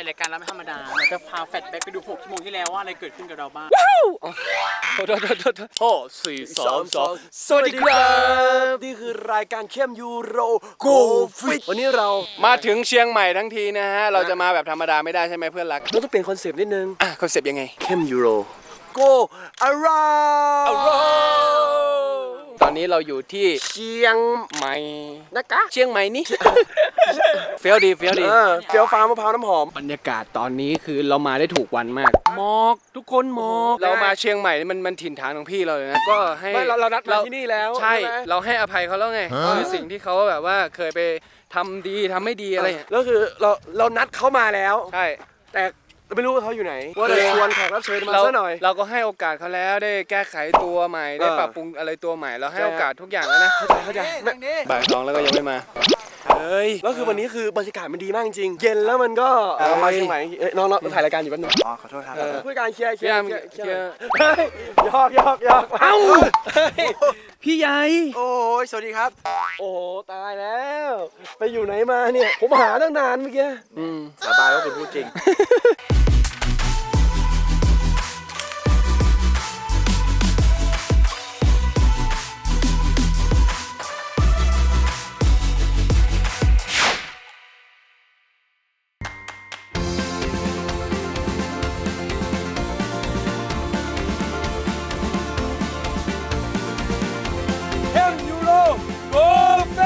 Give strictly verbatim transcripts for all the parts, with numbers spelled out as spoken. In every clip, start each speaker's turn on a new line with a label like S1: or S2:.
S1: รายการเราไม่ธรรมดาเราจะพาแฟลชแบ็กไปดูหกชั่วโมงที่แล้วว่าอะไรเกิดขึ้นกับเราบ้าง
S2: โทษโทษโทษโทษโอ้สี่สองสองสวัสดีครับ
S3: นี่คือรายการเข้มยูโรโกฟิตวันนี้เรา
S2: มาถึงเชียงใหม่ทั้งทีนะฮะเราจะมาแบบธรรมดาไม่ได้ใช่ไหมเพื่อนรัก
S3: เราต้องเปลี่ยนคอนเซปต์นิดนึง
S2: อ่ะคอนเซปต์ยังไง
S3: เข้มยูโรโกอารา
S2: ตอนนี้เราอยู่ที่
S3: เชียง
S2: ใหม่
S3: นะคะ
S2: เชียงใหม่นี่ เฟี้ยวดีเฟี้ยวดี
S3: เออเฟี้ยวฟ้ามะพร้าวน้ำหอม
S2: บรรยากาศตอนนี้คือเรามาได้ถูกวันมากหมอกทุกคนหมอกเรามาเชียงใหม่นี่มันมันถิ่นฐานของพี่เราเลยนะก็ให้
S3: ไม่เราเรานัดมาที่นี่แล้ว
S2: ใช่
S3: ใช่ไหม
S2: เราให้อภัยเขาแล้วไงคือสิ่งที่เขาแบบว่าเคยไปทำดีทำไม่ดีอะไรอย่างเงี้ย
S3: แล้วคือเราเรานัดเขามาแล้ว
S2: ใช่
S3: แต่ไม่รู้ว่าเขาอยู่ไหนว่าจะชวนแขกรับเชิญมา
S2: เรา
S3: ซะหน่อย
S2: เราก็ให้โอกาสเขาแล้วได้แก้ไขตัวใหม่ได้
S3: เออ
S2: ปรับปรุงอะไรตัวใหม่เราให้
S3: ใช่
S2: โอกาสทุกอย่างแล้วนะ
S3: เข้าใจเข้าใจ
S2: บ่ายสองแล้วก็ยังไม่มาเฮ้ย
S3: แล้วคือวันนี้คือบรรยากาศมันดีมากจริงๆเย็นแล้วมันก็เรามาเชียงใหม่เอ้ยน้องๆถ่ายรายการอยู่แป๊บนึง
S4: อ๋อขอโทษครับ
S2: เออ
S3: ผู้การเคลียร์เคลี
S2: พี่
S3: ย
S2: ยา
S3: ร์
S2: ม
S3: เคลียร์
S2: เคลียร์
S3: เฮ้ยหยอกหยอกหยอกเอ้า
S2: พี่ใหญ่
S4: โอ้ยสวัสดีครับ
S3: โอ้โหตายแล้ว ไปอยู่ไหนมาเนี่ยผมหาตั้งนานเมื่อกี้
S2: อืม
S4: สบายว่าคุณพูดจริง
S3: เข้มยูโรโกเฟ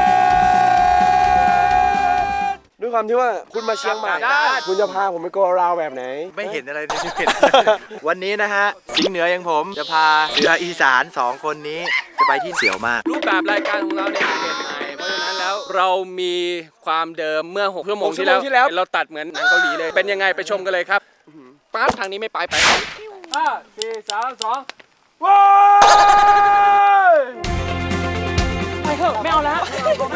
S3: สด้วยความที่ว่าคุณมาเชียงใหม่
S4: ได้
S3: คุณจะพาผมไปโกราวแบบไหน
S4: ไม่เห็นอะไรในชีวิต วันนี้นะฮะ สิงห์เหนืออย่างผมจะพาเสืออีสานสองคนนี้ จะไปที่เสี่ยวมาก
S2: รูปแบบรายการของเราเนี่ยเปลี่ยนใหม่เพราะฉะนั้นแล้วเรามีความเดิมเมื่อหกชั่วโมงที่แล้ว
S3: หกชั่วโมงที่แล้ว
S2: เราตัดเหมือนหนังเกาหลีเลยเป็นยังไงไปชมกันเลยครับปั๊บทางนี้ไม่ไปไปห้าสี่สามสอง
S3: ว้าย
S1: ไปเถอะไม่เอาแล้ว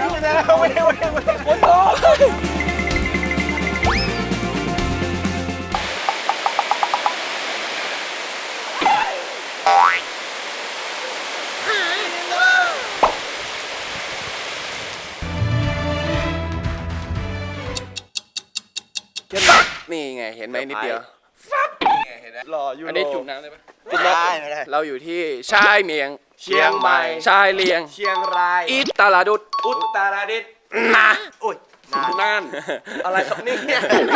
S2: นี่ไงเห็นไหมนิดเดียวนี่ไงเห็นไหม
S3: หล่อยูโร
S2: อันนี้จุ่มน้ำได้ปะ
S4: ไม่ได้ไม่ได้
S2: เราอยู่ที่ชายเมียง
S3: เชียงใหม่
S2: ชายเลียง
S3: เชียงราย
S2: อิตาลาดุด
S3: อุตรดิตถ์
S2: นะ
S4: โอ้ยนาน
S3: น่านอะไรครับเนี่ย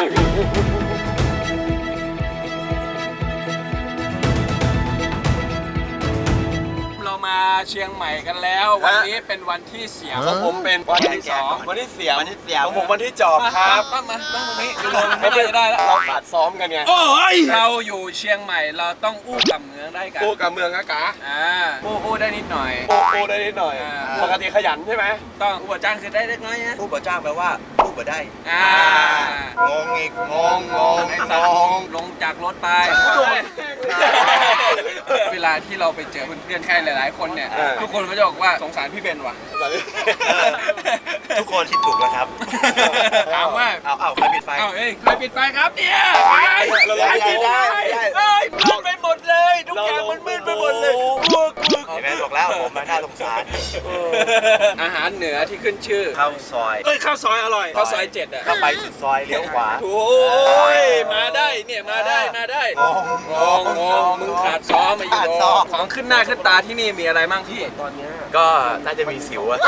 S2: เรามาเชียงใหม่กันแล้ว วันนี้เป็นวันที่เสียของผมเป็นวันที่สอง
S3: วันที่เสีย
S4: วันนี้เสียว
S3: ของผมวันที่จอบครับ
S2: มามาตั้งตรงนี้ลงไม่ได้ได้แล้ว
S3: เราขาดซ้อมกันไง
S2: โอ้ยเราอยู่เชียงใหม่เราต้องอู้กับเมืองได้กัน
S3: โอ้กับเมืองอากา
S2: อ่าอู้อู้ได้นิดหน่อย
S3: โอ้โอ้ได้นิดหน่อย
S2: อ่า
S3: ปกติขยันใช่ไหม
S2: ต้องอู้จ้างคือได้เล็กน้อยนะ
S4: ผู้บ่จ้างแปลว่าผู้บ่ได้
S2: อ่าง
S4: งอีกงงงง
S2: ไอ้
S4: ง
S2: สัตว์
S4: ง
S2: ลงจากรถไปเวลาที่เราไปเจอเพื่อนๆใครหลายๆคนเนี่ยทุกคนก็จะบอกว่าสงสารพี่เบนว่ะ
S4: ทุกคนคิดถูกแล้วครับ
S2: ถามว่า
S4: เอาเอาใครปิดไฟ
S2: เอ้าเอ้ยใครปิดไฟครับเนี่ยไป
S4: เราได้ได้ได้
S2: เอ้ยมืดไปหมดเลยทุกอย่างมันมืดไปหมดเลยกลัวกลัว
S4: เห็นไหมบอกแล้วผมมันน่าสงสาร
S2: อาหารเหนือที่ขึ้นชื่อ
S4: ข้าวซอย
S2: เอ้ยข้าวซอยอร่อยข้าวซอยเจ็ดอ่ะ
S4: ถ้าไปสุดซอยเลี้ยวขวา
S2: โอ้ยมาได้เนี่ยมาได้มาได้
S4: งง
S2: งงงมึงขาดซ้อมมาอยู่
S4: ขาดซ้อม
S2: ของขึ้นหน้าขึ้นตาที่นี่มีอะไรบ้างพี่
S3: ตอนเนี้ย
S4: ก็น่าจะมีสิวอะ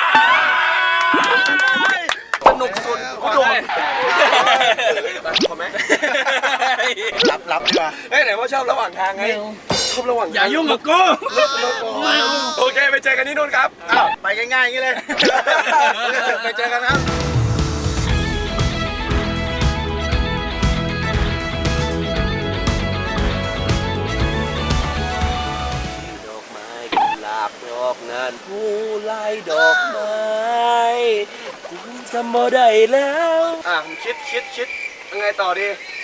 S2: สนุกสุดขอได้
S3: พอไหม
S4: รับรับดีกว่า
S3: เฮ้ยไหนว่าชอบระหว่างทางไงชอบระหว่างทาง
S2: อย่ายุ่งกับกู
S3: โอเคไปเจอกันที่นู่นครับ
S4: อ้าวไปง่ายๆอย่างนี้เลย ไปเจอกันครับ
S3: ดอกไม้กุหลาบดอกงานผู้ไล่ดอกไม้คุณจำบ่ได้แล้วอ่ะผมคิดคิดคิดยังไงต่อดี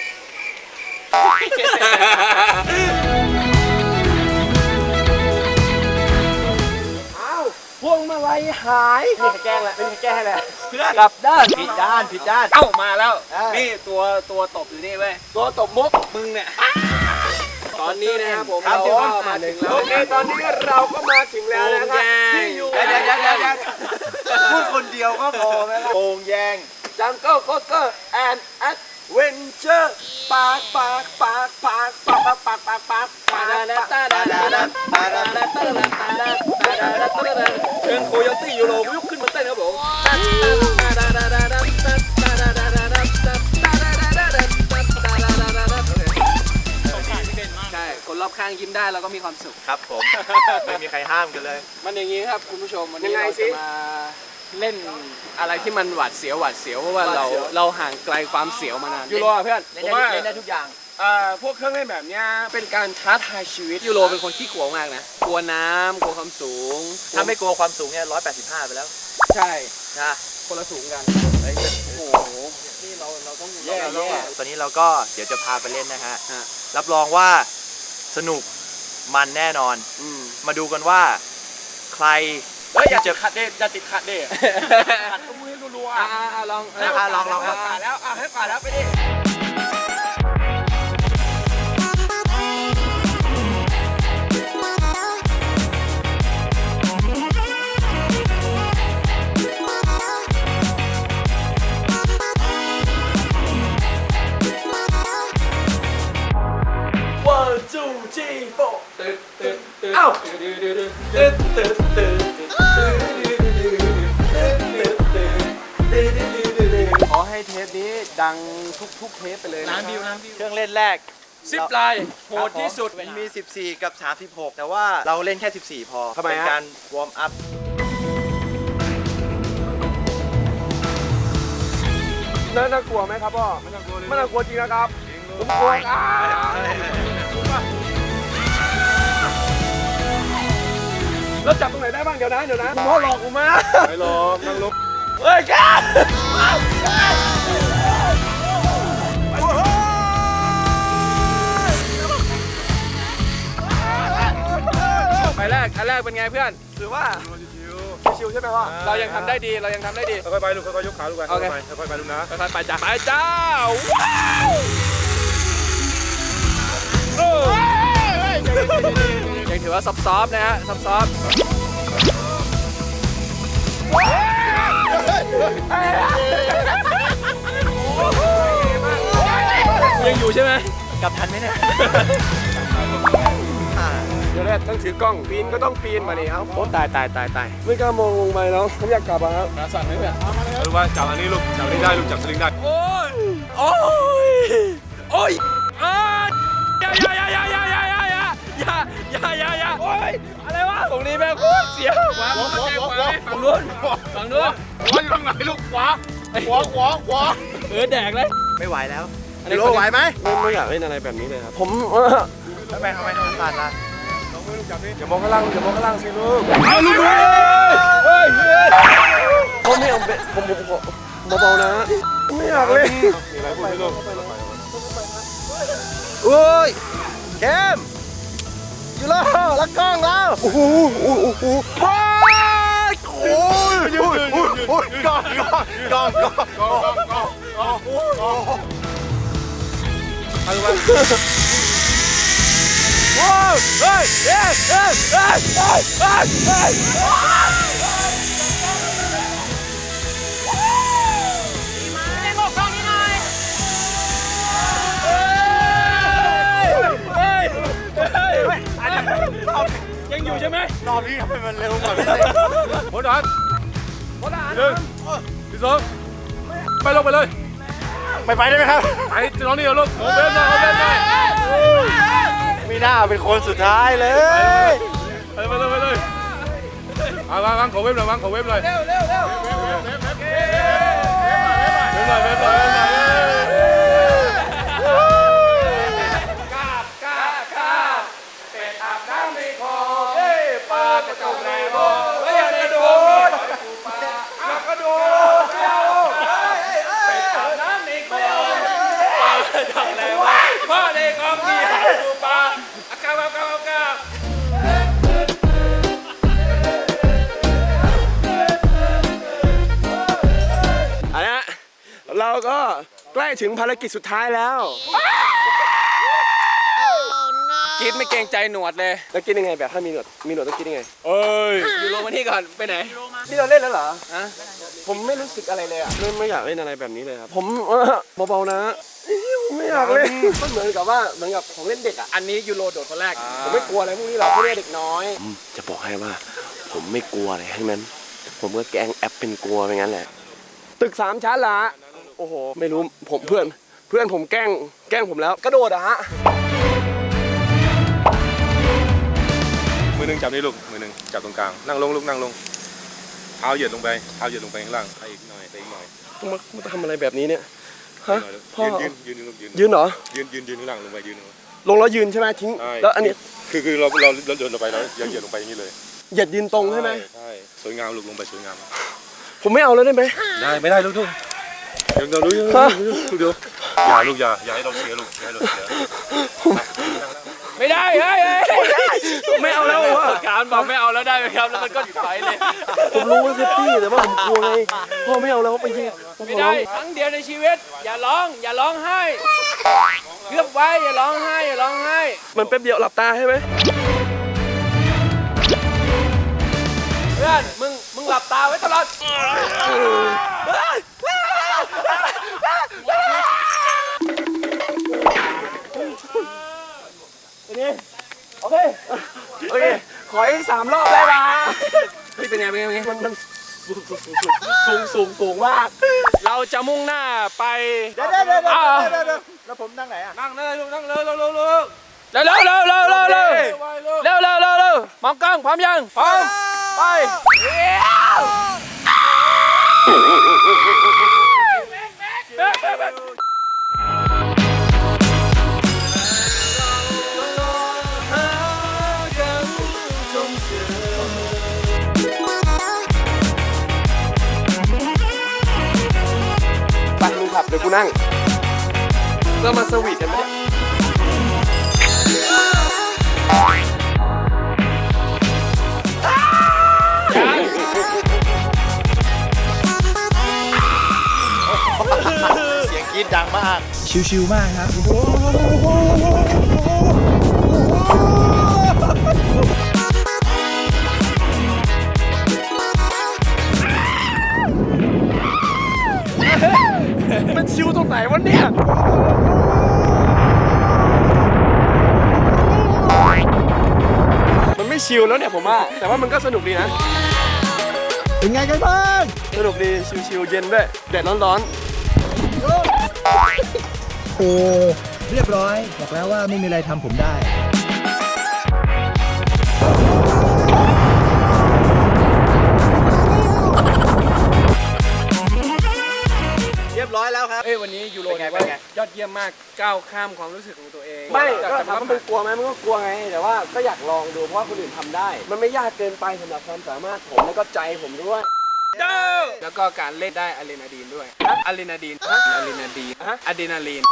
S3: อ้าวพวงมาลัยหายนี่แกล้งแหละไม่มีแกล้งแหละกลับด้าน
S4: ผิดด้านผิดด้าน
S2: เอ้ามาแล้ว
S3: อ่านี่
S2: นี่ตัวตัวตบอยู่นี่เว้ย
S3: ตัวตบมุก
S2: มึงเนี่ยตอนนี้นะครับผม
S3: ครับ
S2: เรา
S3: ผม
S2: ก็มาถึงแล้ว
S3: โอเคตอนนี้เราก็มาถึงแล้วนะครับที่อยู่
S4: เดี๋ยวเดี๋ยวเดี๋ยวเดี๋ยวเดี๋ยวพูดคนเดียวก็พอไหมล่ะโป่งแยง
S3: จังเกิลโคสเตอร์แอนด์แอดเวนเจอร์ปากปากปากปากปากปากปากปากปากปากปากเชิญโคโยตี้ยูโรยกขึ้นมาเต้นครับผม
S2: ใช่คนรอบข้างยิ้มได้แล้วก็มีความสุข
S4: ครับผม ไม่มีใครห้ามกันเลย
S2: มันอย่างนี้ครับคุณผู้ชมวันนี้เราจะมาเล่นอะไรที่มันหวาดเสียวหวาดเสียวเพราะว่าเราเราห่างไกลความเสียวมานานยูโรเพื่อน
S3: เล่นได้เล่นได้ทุกอย่าง
S2: อ่าพวกเครื่องเล่นแบบเนี้ยเป็นการท้าทายชีวิตยูโรเป็นคนขี้กลัวมากนะกลัวน้ำกลัวความสูง
S4: ถ้าไม่กลัวความสูงเนี่ยร้อยแปดสิบห้าไปแล้ว
S2: ใช่
S4: นะ
S2: คนละสูงกัน
S4: โอ้โห
S2: นี่เราเราต้อง
S4: แย่
S2: เรา
S4: แย่ตอนนี้เราก็เดี๋ยวจะพาไปเล่นนะฮะ
S2: ฮะ
S4: รับรองว่าสนุกมันแน่นอน
S2: อืม
S4: มาดูกันว่าใคร
S3: เฮ้ยอย่าเจอคัดเด้อย่าติดคัดเด้คัดก็มือรัว
S2: อ่าอ่าลอง
S4: อ่ะลองลอง
S3: ให้กว่าแล้วอ่ะให้กว่าแล้วไปดิ one two three four
S2: ตึ๊ดตึ๊ดตึ๊ด
S3: เอ้า
S2: ตึ๊ดตึ๊ดตึ๊ด
S3: ตึ๊ดตึ๊ดตึ๊ดตึ๊ด
S2: ขอให้เทปนี้ดังทุกๆเทปไปเลย
S1: น้ำบิวน้ำบิว
S4: เครื่องเล่นแรก
S2: ซิปไลน์โหดที่สุด
S4: มันมี สิบสี่ กับ สามสิบหก แต่ว่าเราเล่นแค่ สิบสี่ พอ
S2: ทำไมฮะ
S4: เป็นการวอร์มอัพ
S2: น่ากลัวไหมครับพ่อไม่น่ากลัวไม่น่ากลัวจริงนะครับผมกลัวอ่ะแล้วจับตรงไหนได้บ้างเดี๋ยวนะเดี๋ยวนะพ่อหลอกกูมาไม่หลอกนั่งลบ
S3: เฮ้ยกัน
S2: ไปแรกอันแรกเป็นไงเพื่อน
S4: ถือว่า
S2: ชิวๆใช่ไหมพ่อเรายังทำได้ดีเรายังทำได้ดี
S5: ค่อยๆไปลูกค่อยๆยกขาลูกไป
S2: โอเค
S5: ค่อยๆไปลูกนะ
S2: ค่อยๆไปจ้าไปจ้าว้าวโอ้ยังถือว่าซอฟๆนะฮะซอฟๆยังอยู่ใช่ไหม
S4: กลับทันไหมเนี่ย
S2: เดี๋ยวแรกต้องถือกล้องปีนก็ต้องปีนมานี่ครับโอ้ตายตายตายตายไม่กล้ามองลงไปแล้วผมอยากกลับอะครับขาสั่นไหมเพื่อน
S5: ลูกว่าจับอันนี้ลูกจับอันนี้ได้ลูกจับสลิงได้
S2: โอ้ยโอ้ยโอ้ยอ่าอย่าอย่าอย่าอย่าอย่าอย่าอย่าอย่าอย่าอย่าอย่าโอ้ยอะไรวะตรงนี้แม่งโคตรเสียวขวาขวาขวาฝั่งนู้นฝั่งนู้น
S5: ขวาอยู่ตรงไหนลูกขวาขวาขวาขวา
S2: เออแดกเลย
S4: ไม่ไหวแล้ว
S2: อันนี้
S4: โลไหวไหม
S2: ไม่ไม่อยากเล่นอะไรแบบนี้เลยครับผม
S4: ทำไมทำไมทำผ่านละ
S2: อย่ามองข้างล่างอย่ามองข้างล่างสิลูกเอาลูกเฮ้ยเฮ้ยผมไม่เอาผมผมขอเบาๆนะไม่อยากเล่น
S5: มีอะไรพูดไหมลูก
S4: โอ้ยเกมยูโรแล้วกล้องแล้วโอ้โหโอ้โหโอ้โหโอ้ยโอ้ยโอ้ยโอ้ยโอ้ยกล้องกล้องกล้องกล้องกล้องกล้องโอ้ยโอ้ยเอาดูว่าโอ้ยเฮ้ยเฮ้ยเฮ้ยเฮ้ยเฮ้ยเฮ้ยเฮ้ย
S2: ยังอยู่ใช่ไหม
S4: รอบนี้ทำไมมันเร็วกว่าพี่เต้
S5: โหดอนหนึ่งที่สองไปลงไปเลย
S4: ไม่ไปได้ไหมครับ
S5: ไอ้น้องนี่เอาลูกโอเว่นหน่อยโอเว่นหน่อย
S4: ไม่น่าเป็นคนสุดท้ายเลย
S5: ไปเลยไปเลยไปเลยเอาวางวางขอเว็บหน่อยวางขอเว็บหน่อยเร็วเร็วเร็วเว็บหน่อยเว็บหน่อยเว็บหน่อยพ่อเด็กของพี่หาดูปลาอากาศอากาศอากาศ
S2: อันนี้เราก็ใกล้ถึงภารกิจสุดท้ายแล้วกินไม่เกรงใจหนวดเลยแล้วกินยังไงแบบถ้ามีหนวดมีหนวดต้องกินยังไง
S5: เอ้ย
S2: ยูโรมานี่ก่อนไปไหน
S4: นี่เราเล่นแล้วเหรอ
S2: ฮะผมไม่รู้สึกอะไรเลยอ่ะไม่ไม่อยากเล่นอะไรแบบนี้เลยครับผมเออเบาๆนะผมไม่อยากเล่นมันเหมือนกับว่าเหมือนกับของเล่นเด็กอ่ะอันนี้ยูโรโดดคนแรกผมไม่กลัวอะไรพวกนี้หรอกพวกนี้เด็กน้อยจะบอกให้ว่าผมไม่กลัวอะไรทั้งนั้นผมก็แกล้งแอปเป็นกลัวไปงั้นแหละตึกสามชั้นละโอ้โหไม่รู้ผมเพื่อนเพื่อนผมแกล้งแกล้งผมแล้วกระโดดอะฮะ
S5: มือหนึ่งจับนี่ลูกมือหนึ่งจับตรงกลางนั่งลงลูกนั่งลงเท้าเหยียดลงไปเท้าเหยียดลงไปข้างล่างไปอีกหน่อยไปอีกหน่อย
S2: ต้องมามาทำอะไรแบบนี้เนี่ยฮะพ่อ
S5: ยืนยืนยืนยืน
S2: ยืนเหรอ
S5: ยืนยืนยืนข้างล่างลงไปยืน
S2: ลงแล้วยืนใช่ไหมทิ้งแล้วอันนี้
S5: คือคือเราเราเราเดินลงไปแล้วเหยียดลงไปอย่างนี้เลย
S2: เหยียดยืนตรงใช่ไหม
S5: ใช่สวยงามลูกลงไปสวยงาม
S2: ผมไม่เอาแล้วได้ไหม
S5: ได้ไม่ได้ลูกลูกเดี๋ยวเดี๋ยวลูกเดี๋ยวอย่าลูกอย่าอย่าให้เราเสียลูกอย่าให้เราเสีย
S2: ไม่ได้เฮ้ยไม่เอาแล้ววะ
S1: การบอกไม่เอาแล้วได้ไหมครับแล้วมันก็ไปเลย
S2: ผมรู้ว่าเซฟตี้แต่ว่าผมกลัวไงพ่อไม่เอาแล้วไปยิง
S1: ไม่ได้ครั้งเดียวในชีวิตอย่าร้องอย่าร้องไห้เลือกไว้อย่าร้องไห้อย่าร้องไห้
S2: มันแป๊บเดียวหลับตาใช่ไหม
S1: เพื่อนมึงมึงหลับตาไว้ตลอด
S2: โอเคโอเคขออีกสามรอบได้ปะเฮ้ยเป็นไงเป็นไงเป็นไงมันมันสูงสูงสูงสูงสูงมากเราจะมุ่งหน้าไป
S4: เดี๋ยวเดี๋ยวเดี๋ยวเดี๋ยวเดี๋ยวแล้วผมนั่งไหนอ่ะ
S1: นั่งเลยลูกนั่งเลยเร็วเร็วเร็วเร็วเร็วเร็วเร็วเร็วเร็วเร็วเร็วเร็วเร็วเร็วมองกล้องพร้อมยังพร้อมไป
S2: ไปมึงขับเดี๋ยวกูนั่งเรามาสวีทกันไหม
S4: เสียงกรี๊ดดังมาก
S6: ชิวๆมากครับ
S2: มันชิวตรงไหนวะเนี่ยมันไม่ชิวแล้วเนี่ยผมว่าแต่ว่ามันก็สนุกดีนะ
S6: เป็นไงกันบ้าง
S2: สนุกดีชิวๆเย็นด้วยแดดร้อน
S6: โอ้เรียบร้อย บอกแล้วว่าไม่มีอะไรทำผมได้
S4: เรียบร้อยแล้วครับ
S1: เอ้ยวันนี้ยูโร
S4: เป็นไง
S1: ถือว่า
S4: เป็นไง
S1: ยอดเยี่ยมมากก้าวข้ามความรู้สึกของตัวเอง
S2: ๆไม่
S1: จาก
S2: ก็
S1: จาก
S2: ถามว่ามันกลัวไหมมันก็กลัวไงแต่ว่าก็อยากลองดูเพราะว่าคนอื่นทำได้ มันไม่ยากเกินไปสำหรับความสามารถผมแล้วก็ใจผมด้วย
S1: แล้วก็การเล่นได้อะดรีนาลีนด้วยอะดรีนาลีนอะดรีนาลีนอะดรีนาลีน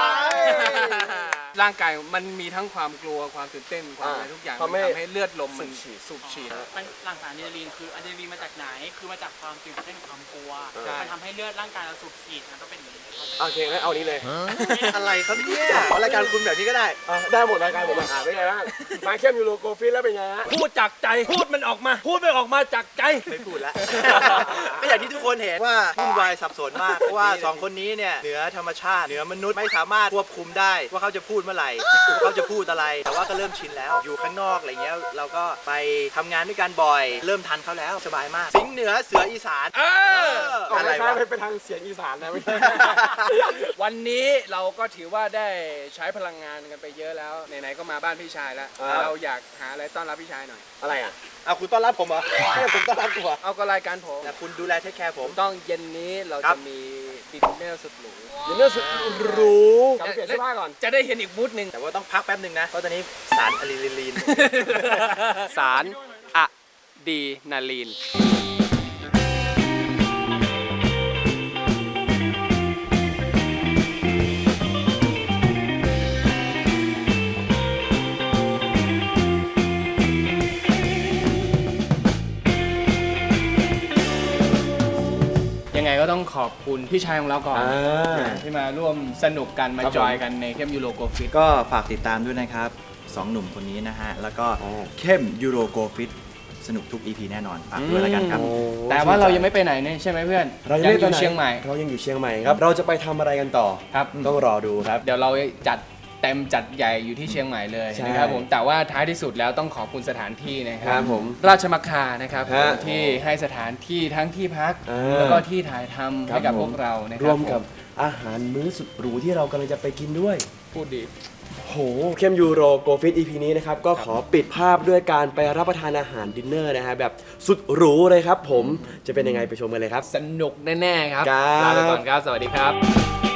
S1: ร่างกายมันมีทั้งความกลัวความตื่นเต้นความอะไรทุกอย่าง
S2: ทำให้
S1: มันทำให้เลือดลมมันสูบฉีด
S7: มันหลั่งสารอะดรีนาลีนคืออะดรีนาลีนมาจากไหน คือมาจากความตื่นเต้นความกลัว
S1: ใช่
S7: มันทำให้เลือดร่างกายเราสูบฉีดมันก็เป็นอย่างนี้
S2: โอเคงั้นเอานี้เลย
S4: อะไรครับเนี่ยรายการคุณแบบนี้ก็ได้
S2: อ่ะได้หมดรายการหมดเลยอ่ะเป็นไงบ้างมาเข้มยูโรโกฟิตแล้วเป็นไงฮะ
S1: พูดจากใจพูดมันออกมา พูดไม่ออกมาจากใจ
S4: ไม่พูดแล้ว ก็อย่างที่ทุกคนเห็นว่าวุ่นวายสับสนมาก เพราะว่าสองคนนี้เนี่ยเหนือธรรมชาติเหนือมนุษย์ไม่สามารถควบคุมได้ว่าเขาจะพูดเมื่อไหร่ว่าเขาจะพูดอะไร แต่ว่าก็เริ่มชินแล้ว อยู่ข้างนอกอะไรเงี้ยเราก็ไปทำงานด้วยกันบ่อย เริ่มทันเขาแล้วสบายมาก สิงห์เหนือเสืออีสาน
S1: เออ
S2: ออก
S4: อะไร
S2: คล้า
S4: วะ
S2: ยๆไปทางเสียงอีสานนะไม่ใช่
S1: วันนี้เราก็ถือว่าได้ใช้พลังงานกันไปเยอะแล้วไหนๆก็มาบ้านพี่ชายแล้ว
S2: อ่า
S1: เราอยากหาอะไรต้อนรับพี่ชายหน่อย
S2: อะไรอ่ะ
S4: เอาคุณต้อนรับผมเหรอให้ผมต้อนรับคุณเหรอ
S1: เอาก็รายการผม
S4: แต่คุณดูแลเทคแคร์ผม
S1: ต้องเย็นนี้เรา
S4: ครั
S1: จะ
S4: บ
S1: มีดินเนอร์สุดหรู
S2: ยินดีสุดหรูกลับไปเปลี่ยนเสื้อผ้าก่อน
S1: จะได้เห็นอีกมูดหนึ่ง
S4: แต่ว่าต้องพักแป๊บหนึ่งนะ เพราะตอนนี้สารอะดรีนาลีน
S1: สารอะดรีนาลีน ยังไงก็ต้องขอบคุณพี่ชายของเราก่อนที่มาร่วมสนุกกันมาจอยกันในเข้มยูโรโกฟิต
S6: ก็ฝากติดตามด้วยนะครับสองหนุ่มคนนี้นะฮะ แล้วก็เข้มยูโรโกฟิต
S4: สนุกทุก อี พี แน่นอนฝากด้วยแล้วกันครับ
S1: แต่ว่าเรายังไม่ไปไหนเนี่ยใช่ไหมเพื่อน
S3: เรายังไม่
S1: อ
S3: ไป
S1: ยู่
S3: ไหน
S1: เชียงใหม่
S3: เรายังอยู่เชียงใหม่ครับ เราจะไปทำอะไรกันต่อ
S1: ครับ
S3: ต้องรอดูครับ
S1: เดี๋ยวเราจัดเต็มจัดใหญ่อยู่ที่เชียงใหม่เลย
S3: ใช่
S1: นะครับผมแต่ว่าท้ายที่สุดแล้วต้องขอบคุณสถานที่นะค
S3: ค
S1: รั
S3: รั
S1: บบ
S3: ผม
S1: ราชมัคคานะครับ
S3: ฮะ
S1: ที่ให้สถานที่ทั้งที่พัก
S3: อ่า
S1: แล้วก็ที่ถ่ายทำ
S3: ครับ
S1: ให้กับ
S3: ผม
S1: พวกเรานะค
S3: ร
S1: รั
S3: ว
S1: บ
S3: มกับ
S1: ผ
S3: อาหารมื้อสุดหรูที่เรากำลังจะไปกินด้วย
S1: พูดดี
S3: โหเข้มยูโรโกฟิต อี พี นี้นะครับ ก็ขอปิดภาพด้วยการไปรับประทานอาหารดินเนอร์นะฮะแบบสุดหรูเลยครับผมจะเป็นยังไงไปชมกันเลยครับ
S1: สนุกแน่ๆครับ
S3: ครับ
S1: ลาไปก่อนครับ สวัสดีครับ